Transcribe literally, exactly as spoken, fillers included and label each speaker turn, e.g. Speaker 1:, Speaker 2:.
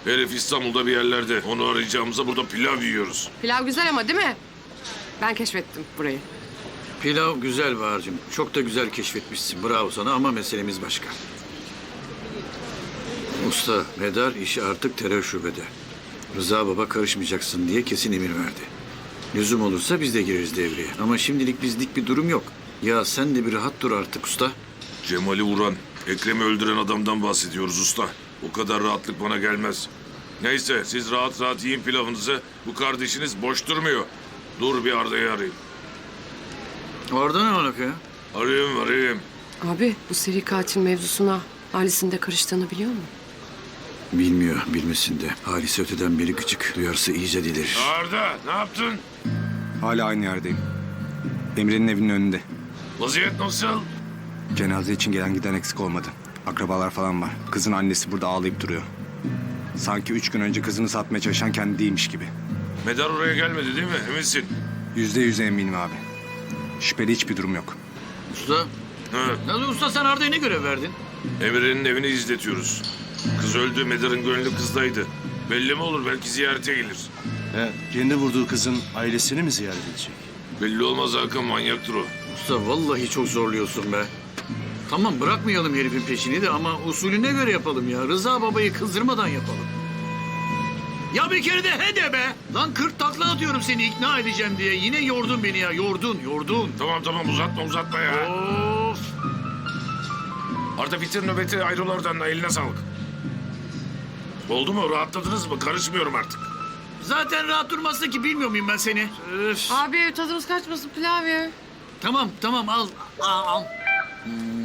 Speaker 1: Herif İstanbul'da bir yerlerde. Onu arayacağımıza burada pilav yiyoruz.
Speaker 2: Pilav güzel ama değil mi? Ben keşfettim burayı.
Speaker 3: Pilav güzel Bahar'cığım. Çok da güzel keşfetmişsin. Bravo sana ama meselemiz başka. Usta, Medar işi artık terör şubede. Rıza baba karışmayacaksın diye kesin emir verdi. Lüzum olursa biz de gireriz devreye. Ama şimdilik bizlik bir durum yok. Ya sen de bir rahat dur artık usta.
Speaker 1: Cemal'i vuran, Ekrem'i öldüren adamdan bahsediyoruz usta. O kadar rahatlık bana gelmez. Neyse siz rahat rahat yiyin pilavınızı. Bu kardeşiniz boş durmuyor. Dur bir Arda'yı arayayım.
Speaker 3: Orada ne alaka ya?
Speaker 1: Arayayım arayayım.
Speaker 2: Abi bu seri katil mevzusuna ailesinin de karıştığını biliyor mu?
Speaker 3: Bilmiyor, bilmesin de. Halise öteden beri gıcık. Duyarsa iyice delirir.
Speaker 1: Arda ne yaptın?
Speaker 4: Hala aynı yerdeyim. Emre'nin evinin önünde.
Speaker 1: Vaziyet nasıl?
Speaker 4: Cenaze için gelen giden eksik olmadı. Akrabalar falan var. Kızın annesi burada ağlayıp duruyor. Sanki üç gün önce kızını satmaya çalışan kendi değilmiş gibi.
Speaker 1: Medar oraya gelmedi değil mi? Eminsin.
Speaker 4: Yüzde yüz eminim abi. Şüpheli hiçbir durum yok.
Speaker 3: Usta,
Speaker 1: Hı.
Speaker 3: nasıl usta sen Arda'ya ne görev verdin?
Speaker 1: Emre'nin evini izletiyoruz. Kız öldü, Medar'ın gönlü kızdaydı. Belli mi olur? Belki ziyarete gelir.
Speaker 5: He, kendi vurduğu kızın ailesini mi ziyaret edecek?
Speaker 1: Belli olmaz Hakan, manyaktır o.
Speaker 3: Usta vallahi çok zorluyorsun be. Tamam bırakmayalım herifin peşini de ama usulüne göre yapalım ya. Rıza babayı kızdırmadan yapalım. Ya bir kere de he de be. Lan kırk takla atıyorum seni ikna edeceğim diye. Yine yordun beni ya. Yordun, yordun.
Speaker 1: Tamam tamam uzatma uzatma ya.
Speaker 3: Of.
Speaker 1: Arda bitir nöbeti, ayrıl oradan, eline sağlık. Oldu mu? Rahatladınız mı? Karışmıyorum artık.
Speaker 3: Zaten rahat durmazsa ki bilmiyor muyum ben seni? Öf.
Speaker 2: Abi tadımız kaçmasın pilav ya.
Speaker 3: Tamam, tamam al. Al, al. Hmm.